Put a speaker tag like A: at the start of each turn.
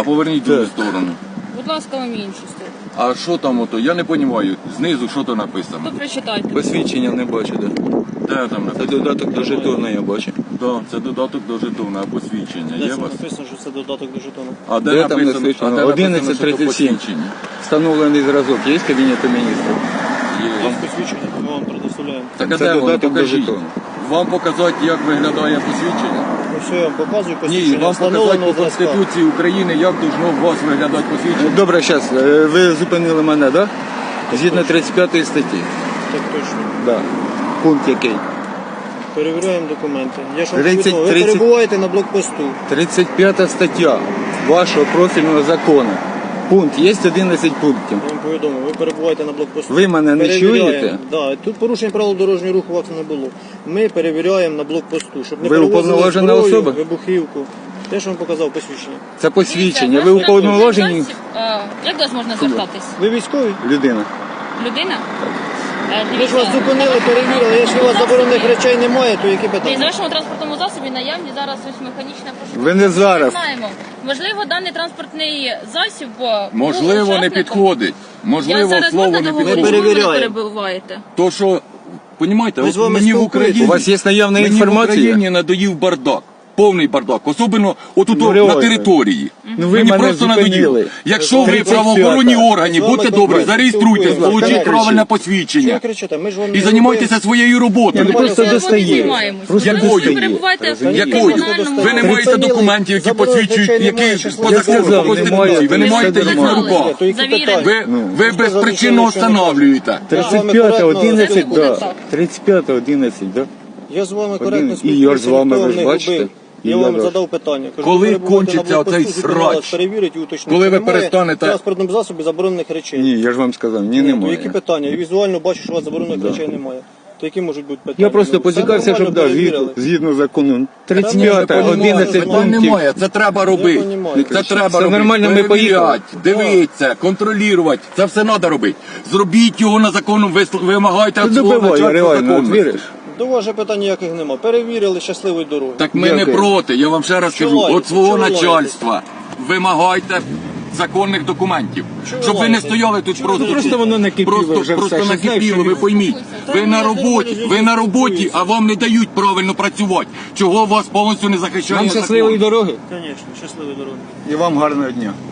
A: А поверніть другу сторону.
B: Будь ласка, вам іншу сторону.
A: А що там ото? Я не розумію. Знизу що то написано?
B: То прочитайте.
C: Посвідчення не бачу, да.
A: Де там
C: Це
A: написано?
C: додаток до жетона, я бачу.
A: Да, це додаток до жетона, а посвідчення.
D: Де
A: Є
D: це
A: у вас?
D: написано, що це додаток до жетону?
A: А де
C: Де там
A: написано?
C: написано?
A: А де написано, що то
C: 11:37.
A: посвідчення?
C: Встановлений зразок є в Кабінеті міністрів?
A: Є.
D: Є посвідчення, ми вам предоставляємо.
A: Так а
C: Це
A: де воно?
C: додаток до
A: Покажіть.
C: жетону.
A: Вам показати, як виглядає посвідчення?
D: Ну все, я вам показую
A: Ні,
D: посвідчення
A: вам показати
D: встановленого
A: по
D: зразка.
A: Конституції України, як должно у вас виглядати посвідчення.
C: Добре, зараз, ви зупинили мене, так? Да? Згідно 35 статті.
D: Так точно.
C: Да. Пункт який?
D: Перевіряємо документи. Я ж вам
C: 30.
D: повідомив, ви перебуваєте на блокпосту.
C: 35 стаття вашого профільного закону. Пункт, є 11 пунктів.
D: Я вам повідомив, ви перебуваєте на блокпосту.
C: Ви мене не чуєте?
D: Да, тут порушень правил дорожнього руху у вас не було. Ми перевіряємо на блокпосту, щоб не
C: Ви
D: перевозили
C: уповноважена
D: зброю,
C: особа?
D: вибухівку. Те, що вам показав посвідчення.
C: Це посвідчення.
B: Дивіться,
C: Ви
B: ваш
C: уповноважені
B: засіб, як до вас можна звертатись?
D: Ви військові?
C: людина.
B: Людина?
D: Ви ж вас зупинили, перевірили. Якщо у вас заборонених речей немає, то які
B: В
D: питання?
B: вашому транспортному засобі наявні зараз ось механічне пошук.
C: Ви не зараз.
B: Знаємо. Можливо, даний транспортний засіб
A: Можливо,
B: був
A: не
B: учасником.
A: підходить.
B: Я
A: Можливо,
B: зараз
A: слово
B: можна
A: не
B: договорити,
A: підходить.
B: чому ви не
D: перевіряємо.
B: перебуваєте?
A: То, що, понімаєте,
D: Ми
A: от
D: з вами
A: мені в
D: спілкуємося.
A: Україні...
C: У вас є наявна
A: Мені в
C: інформація?
A: Україні надоїв бардак. Повний бардак. Особливо отут
C: Ну,
A: на
C: реально.
A: території.
C: Ну, ви
A: Мені
C: мене
A: просто
C: зупинили.
A: надоїв. Якщо ви
C: 35-та.
A: правоохоронні органи,
D: З вами
A: будьте добрі,
D: конкретно
A: зареєструйтесь,
D: спілкуємося.
A: получіть
C: Кричіть.
A: правильне
D: Чого ви
A: посвідчення.
D: кричите? Ми ж вам
A: І
D: не
A: займайтеся своєю роботою.
C: Ні, ну, просто
B: Це
C: достає.
B: займаємось.
C: Просто
B: Можливо, ви
A: достає.
B: перебуваєте в
A: Якою?
B: кримінальному...
A: Ви не маєте
D: Припинили.
A: документів, які
D: Заборонених
A: посвідчують,
D: речей
A: які
D: немає,
A: по
D: щас
A: закону,
C: сказав,
A: по Конституції.
C: немає.
A: Ви не
B: Ви
A: маєте їх на
B: знали.
A: руках.
D: То які
B: Завірені.
D: питання?
A: Ви безпричинно встановлюєте.
C: 35, 11,
B: Буде
C: да.
B: так.
C: 35, 11, да.
D: Я з вами коректно
C: І я ж з вами,
D: ніхто
C: ви ж
D: не
C: бачите.
D: губив.
C: І
D: Я
C: я
D: вам
C: теж.
D: задав питання. Кажу,
A: Коли
D: ви перебуваєте
A: кончиться
D: на блокпосту,
A: оцей
D: зупинили вас,
A: срач?
D: перевірить і уточнити.
A: Коли ви
D: Немає
A: перестанете-
D: в транспортному засобі заборонених речей.
C: Ні, я ж вам сказав, ні,
D: Ну,
C: немає.
D: які питання? Я візуально бачу, що у вас заборонених речей немає. То які можуть бути питання?
C: Я просто
D: Ну, все
C: поцікався, щоб
D: нормально,
C: да,
D: перевірили.
C: згідно закону.
D: Та
C: 35,
D: ми
C: 11
A: Питань
C: пунктів.
A: немає, це треба робити.
D: понімаю.
A: Це треба
C: Все
A: робити.
C: нормально, ми поїхали.
A: Перевіряти, дивитися, контролювати. Це все треба робити. Зробіть його на закону, вимагайте
C: Ти
A: від свого
C: добивай,
A: начальства
C: реально, от
A: законності.
C: віриш?
D: До вас же питань ніяких нема. Перевірили щасливої дороги.
A: Так ми не
C: Дякую.
A: проти, я вам ще раз
D: Чого
A: кажу,
D: лаєтесь?
A: от свого
D: Чого лаєтесь?
A: начальства вимагайте законних документів.
D: Чого
A: Щоб ви не
D: лаєтесь?
A: стояли тут просто.
C: Просто воно накипіло вже все,
A: Просто
C: що
A: накипіло,
C: знаєш,
A: ви пойміть. Ви на
D: я
A: роботі,
D: нормально
A: ви на роботі,
D: спілкуюся.
A: а вам не дають правильно працювати. Чого вас повністю не захищає
C: Вам
A: закон?
C: щасливої дороги
D: Звісно, щасливої дороги.
C: і вам гарного дня.